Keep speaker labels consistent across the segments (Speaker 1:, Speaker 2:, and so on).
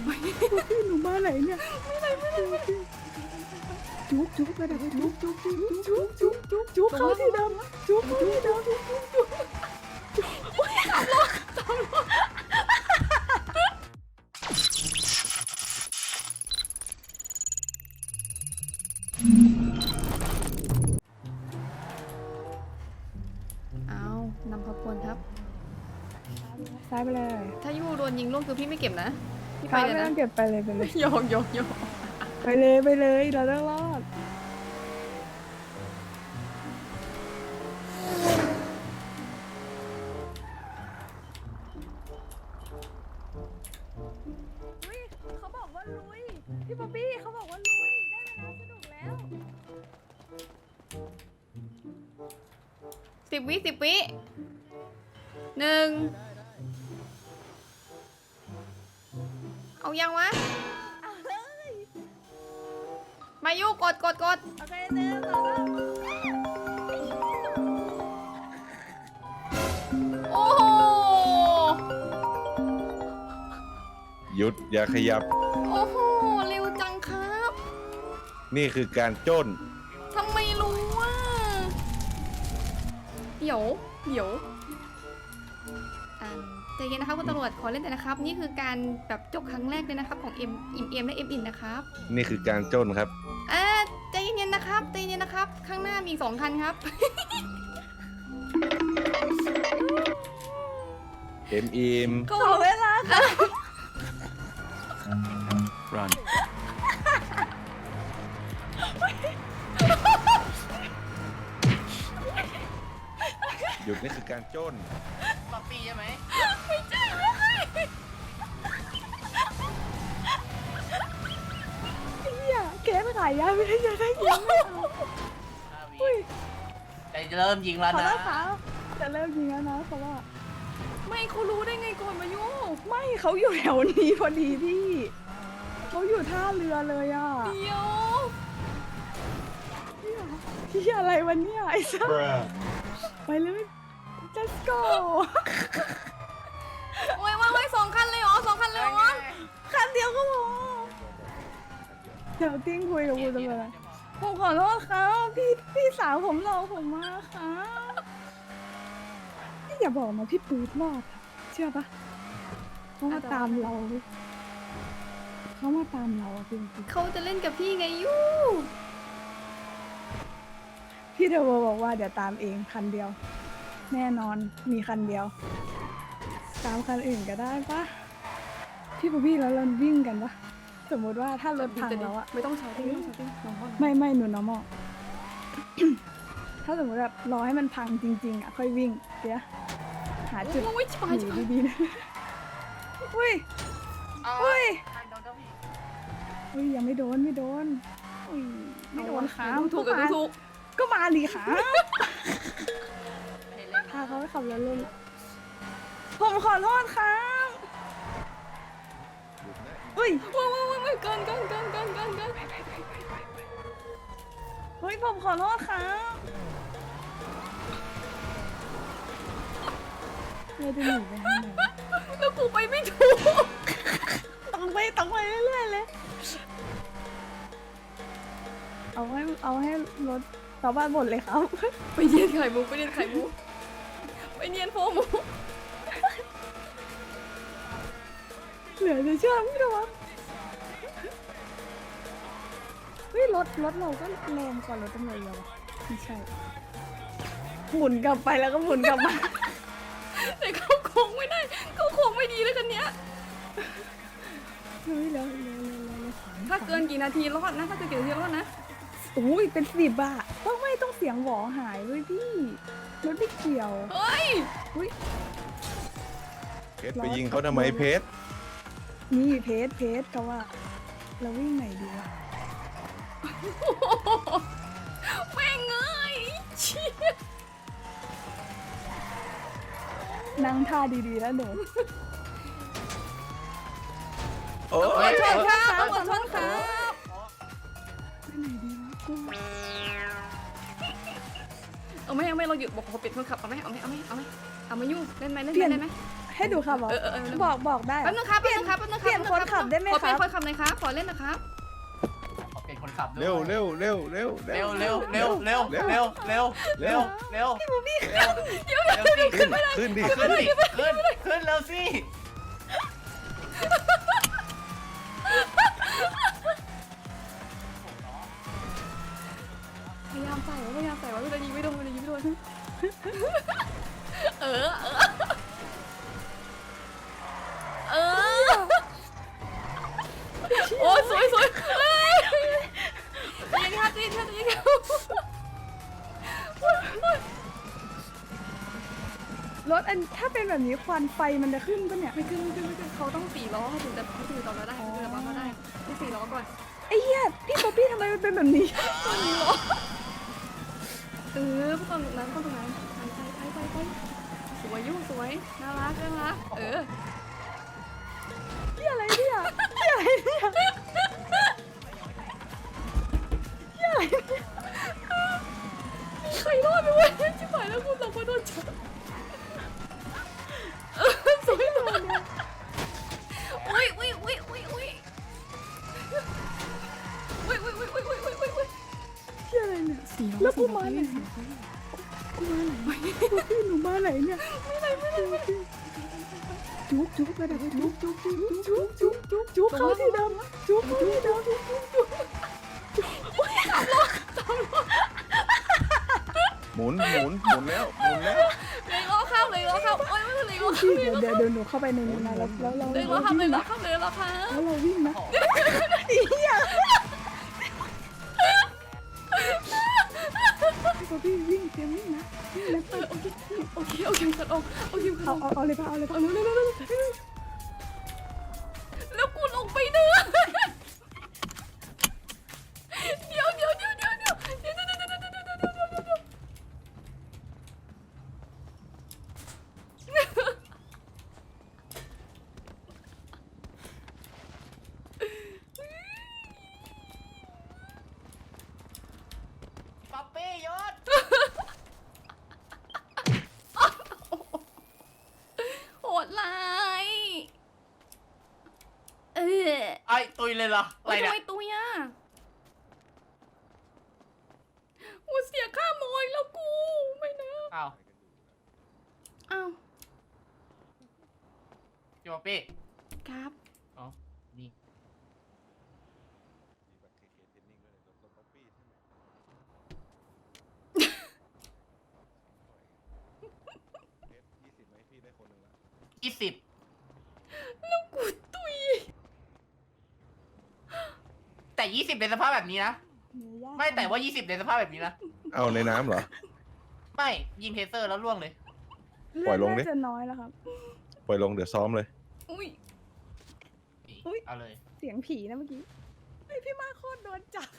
Speaker 1: พี่หนูมาไหนเนี่ยไม่ไหนจุ๊บไปไหนจุ๊บเข้าที่เดิมจุ๊บ
Speaker 2: เอานำขบวนครับ
Speaker 1: ซ้ายไปเลย
Speaker 2: ถ้ายูโดนยิงล่วงคือพี่ไม่เก็บนะพี่ไป
Speaker 1: ซ้าย
Speaker 2: เลย
Speaker 1: ไม่
Speaker 2: นะ
Speaker 1: ต้องเก็บไปเลย
Speaker 2: โยก
Speaker 1: ไปเลยเราต้องรอดเขาบอกว่าลุยพี่ป๊อปปี้เขาบอกว่าลุยได้เวลาสนุกแล้ว
Speaker 2: 10 วิหนึ่งเอายังวะ
Speaker 1: เอาเลย
Speaker 2: มายูกด
Speaker 1: โอเคหนึ่งสอง
Speaker 2: โอ้โห
Speaker 3: หยุดอย่าขยับ
Speaker 2: โอ้โหเร็วจังครับ
Speaker 3: นี่คือการจ้น
Speaker 2: ทำไมรู้ว่าเดี๋ยวใจเย็นนะครับคุณตำรวจขอเล่นแต่นะครับ นี่คือการแบบจบครั้งแรกเลยนะครับของเอ็มและเอ็มอินนะครับ
Speaker 3: นี่คือการจ้นครับ
Speaker 2: ใจเย็นๆนะครับข้างหน้ามีอีก2 คันครับ
Speaker 3: เอ็มอิม
Speaker 2: ก็
Speaker 1: ขอเวลาค่ะ
Speaker 4: Run.
Speaker 3: หยุดนี่คือการจ้น
Speaker 4: ป๊อปปี้ใช่ไหม
Speaker 1: เนี่ยเกมขายยาไม่ได้จะได้ยิงไม่เอาอุ้ย
Speaker 4: จะเริ่มยิงแล้ว
Speaker 1: ขอ
Speaker 4: นะ
Speaker 1: โทษค่ะจะเริ่มยิงแล้วนะเขาว่า
Speaker 2: ไม่เขารู้ได้ไงก่อนมายุ
Speaker 1: ไม่เขาอยู่แถวนี้พอดีพี่เขาอยู่ท่าเรือเลยอ่ะ
Speaker 2: เดี๋ยว
Speaker 1: พี่อะไรวันเนี้ยไอ้สัสไปเลย let's go
Speaker 2: โอ้ย2 คันเลยเหรอ2 คันเลยเหรอ
Speaker 1: คันเดียวก็พอเดี๋ยวติ้งคุยกับคุณตำรวจผมขอโทษครับพี่สาวผมรอผมมาค่ะนี่อย่าบอกนะพี่ปื๊ดรอดอะเชื่อปะเขามาตามเราเขามาตามเราอะจริงๆ
Speaker 2: เขาจะเล่นกับพี่ไงยู
Speaker 1: พี่เทวบอกว่าเดี๋ยวตามเองคันเดียว แน่นอนมีคันเดียว ตามคันอื่นก็ได้ปะพี่ป๊อปปี้แล้วเราวิ่งกันปะสมมติว่าถ้ารถพังแล้วอะ
Speaker 2: ไม่ต้องใช้ติ้งน้องพ่อ
Speaker 1: ไม่หนู normal ถ้าสมมติแบบรอให้มันพังจริงๆอะค่อยวิ่งเดี๋ยวหาจุด
Speaker 2: โอ้ยชิบหาย
Speaker 1: หนีดีๆนะอุ้ยอุ้ยยังไม่โดนอุ้ยไม่โดนขา
Speaker 2: ถูกกับถูก
Speaker 1: ก็มาดิขาพาเขาไปขับรถเล่นผมขอโทษครับอุ้ย
Speaker 2: ว้าวเกิน
Speaker 1: เฮ้ยผมขอโทษครับเราจะหนีไปทางไหน
Speaker 2: แล้วกูไปไม่ถูก
Speaker 1: ต้องไปเรื่อยๆเลยเอาให้รถชาวบ้านหมดเลยครับ
Speaker 2: ไปเนียนไข่มุกไปเนียนโฟมู
Speaker 1: เหลือจะเชื่อพี่นะวะเฮ้ยรถเราก็แรงกว่ารถตำรวจเยอะวะไม่ใช่หมุนกลับไปแล้วก็หมุนกลับมา
Speaker 2: แต่เขาโค้งไม่ได้เขาโค้งไม่ดีเลยคันเนี้ย
Speaker 1: เฮ้ยแล้ว
Speaker 2: ถ้าเกินกี่นาทีรอดนะ
Speaker 1: อุ้ยเป็น10อะต้องเสียงหวอหายเลยพี่รถไม่เกี่ยว
Speaker 2: เฮ้ย
Speaker 1: อุ้ย
Speaker 3: เพชรไปยิงเขาทำไมเพชร
Speaker 1: นี่เพจเขาว่าเราวิ่งไหนดีวะ
Speaker 2: แม่งเอ้ยเชี่ย
Speaker 1: นั่งท่าดีๆแล้วหนู
Speaker 3: โอ้
Speaker 2: ขอย โทษครับขอโทษครับ
Speaker 1: ไปไหนดีวะกู
Speaker 2: เอาไหมเราหยุดบอกเขาปิดโทรศัพท์เอาไหมเอามายุ่งเล่นไหม
Speaker 1: ให้ดูค่ะบอกได้
Speaker 2: แป๊บนึงครับ
Speaker 1: เปลี่ยนคนขับขับได้ไหม
Speaker 2: ขอ
Speaker 1: ค
Speaker 2: เป็น
Speaker 1: รับ
Speaker 2: คนขับหน่อยครับขอเล่นนะครับ
Speaker 4: ขอเป็นคนขับด้วย
Speaker 3: เร็วเร็วเร็วเร็ว
Speaker 4: เร็วเร็วเร็วเร็วเร็วเร็วเร็วเร็วเร็วพี่บูบี้เร็วเร็วสิ
Speaker 3: ขึ้นดิ
Speaker 4: ขึ้นดิขึ้นเร็วสิ
Speaker 2: พยายามใส่ไว้พยายามใส่ไว้เวลายิงไม่โดนเวลายิงไม่โดนเออโอ้สวยยิงครับยิงครับ
Speaker 1: รถอันถ้าเป็นแบบนี้ควันไฟมันจะขึ้นปะเนี่ย
Speaker 2: ไม่ขึ้นเขาต้อง4 ล้อเขาถึงจะต่อมาได้เขาถึงจะปั๊มมาได้ต้อง4 ล้อก่อน
Speaker 1: ไอ้เหี้ยพี่ป๊อปปี้ทำไมมันเป็นแบบนี้
Speaker 2: พวกตรงนั้นไปสวยยุ่งสวยน่ารัก
Speaker 1: เหี้ยอะไรเนี่ยเหี้ยอะไรเนี่ยเหี้ยอะไรเนี่ย
Speaker 2: ใครรอดไปวะชิบหายแล้วคุณเราก็โดนจับสวยเลยอุ้ย
Speaker 1: เหี้ยอะไรเนี่ยแล้วกูมาไหนพี่หนูมาไหนเนี่ยจุ๊บไปไหนจุ๊บเข้าที่เดิมจุ๊บ
Speaker 3: หมุนแล้ว
Speaker 2: เลยล้อเข้าโอ้ยไม่เลยล้อเข้า
Speaker 1: พี่เดี๋ยวหนูเข้าไปในนี้นะแล้วเรา
Speaker 2: เลยล้อเข้าเลยล้อเข้า
Speaker 1: แล้วเราวิ่งนะเหี้ยพี่วิ่งเตรียมวิ่งนะ
Speaker 2: โอเคขัดออกเอาคิมขัดออก
Speaker 1: เอาเลยป่ะเร็ว
Speaker 2: แล้วกูลงไปเนื้อเดี๋ยว
Speaker 4: ป๊อปปี้ยศ
Speaker 2: โหดร้าย
Speaker 4: ไอ้ตุยเลยเหรออะไร
Speaker 2: ทำ
Speaker 4: เนี่ย
Speaker 2: ไมตุยอ่ะกูเสียค่าโมยแล้วกูไม่นะ
Speaker 4: อ้าว
Speaker 2: อ้าว
Speaker 4: พี่ป๊อปปี้
Speaker 2: ครับ
Speaker 4: อ๋อนี่ 20
Speaker 2: แล้วกูตุย
Speaker 4: แต่ 20ในสภาพแบบนี้นะไม่แต่ว่า 20ในสภาพแบบนี้นะ
Speaker 3: เอาในน้ำเหรอ
Speaker 4: ไม่ยิงเทเซอร์แล้วล่วงเลย
Speaker 3: ปล่อยลงดิ
Speaker 1: น่าจะน้อยแล้วครับ
Speaker 3: ปล่อยลงเดี๋ยวซ้อมเลย
Speaker 2: อุ้ย
Speaker 4: เอาเลย
Speaker 1: เสียงผีนะเมื่อกี้ไอพี่มาโคตรโดนจับ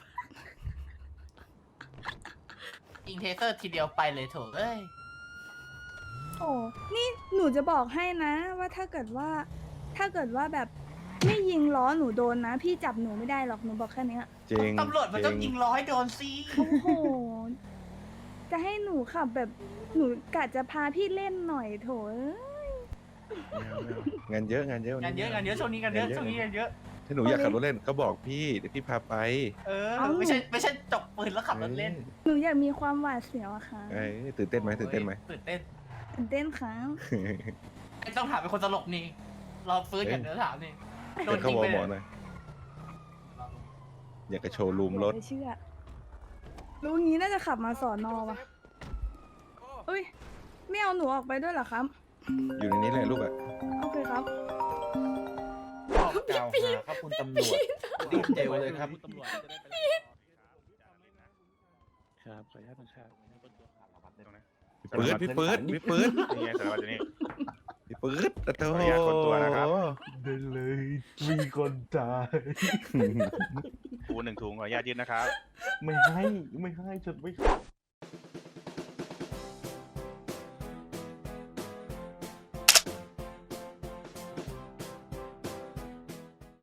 Speaker 4: ยิงเทเซอร์ทีเดียวไปเลยโถเอ้ย
Speaker 1: โอ้นี่หนูจะบอกให้นะว่าถ้าเกิดว่าแบบไม่ยิงล้อหนูโดนนะ พี่จับหนูไม่ได้หรอกหนูบอกแค่เนี้ย
Speaker 3: จริง
Speaker 4: ตำรวจมันต้องยิงร้อยโดนสิ
Speaker 1: โอ้โห จะให้หนูขับแบบหนูกะจะพาพี่เล่นหน่อยโถเอ้ย
Speaker 3: งานเยอะ
Speaker 4: งานเยอะช่วงนี้งานเยอะช่วงนี้งานเยอะ
Speaker 3: ถ้าหนูอยากขับรถเล่นก็บอกพี่เดี๋ยวพี่พาไป
Speaker 4: ไม่ใช่จกปืนแล้วขับรถเล่น
Speaker 1: หนูอยากมีความหวาดเสียวอะค่ะ
Speaker 3: เอ้ยตื่นเต้นไหม
Speaker 4: ตื่นเต้น
Speaker 1: ตื่นเต้นครับ
Speaker 4: ไม่ต้องถามเป็นคนตลกนี่เราฟื้นกันเดี๋ยวถามนี่โด
Speaker 3: เดี๋ย
Speaker 4: น
Speaker 3: วเขา
Speaker 4: ยิง
Speaker 3: บอ
Speaker 4: ไป
Speaker 3: ก
Speaker 4: เล
Speaker 3: หมอย หน่อยอยากจะโชว์รูมรถ
Speaker 1: ไม่เชื่อรู้งี้น่าจะขับมาสอนอว่ะอุ้ยไม่เอาหนูออกไปด้วยเหรอครับ
Speaker 3: อยู่ในนี้แหละลูกอะ
Speaker 1: โอเคครับ
Speaker 5: กล่าวหาครับคุณตำรวจรีบเจลเลยครับตำรวจครับขออนุญาตนะครับ
Speaker 3: พี่ปื๊ด
Speaker 5: นี่ไงสารวัตรอยู่นี่
Speaker 3: พี่ปื๊ดโอ้
Speaker 5: ขออนุญาตคนตัวนะครับ
Speaker 6: ได้เลยมีคนตาย
Speaker 5: ปู1 ถุงขออนุญาตยืนนะครับ
Speaker 6: ไม่ให้จดไม่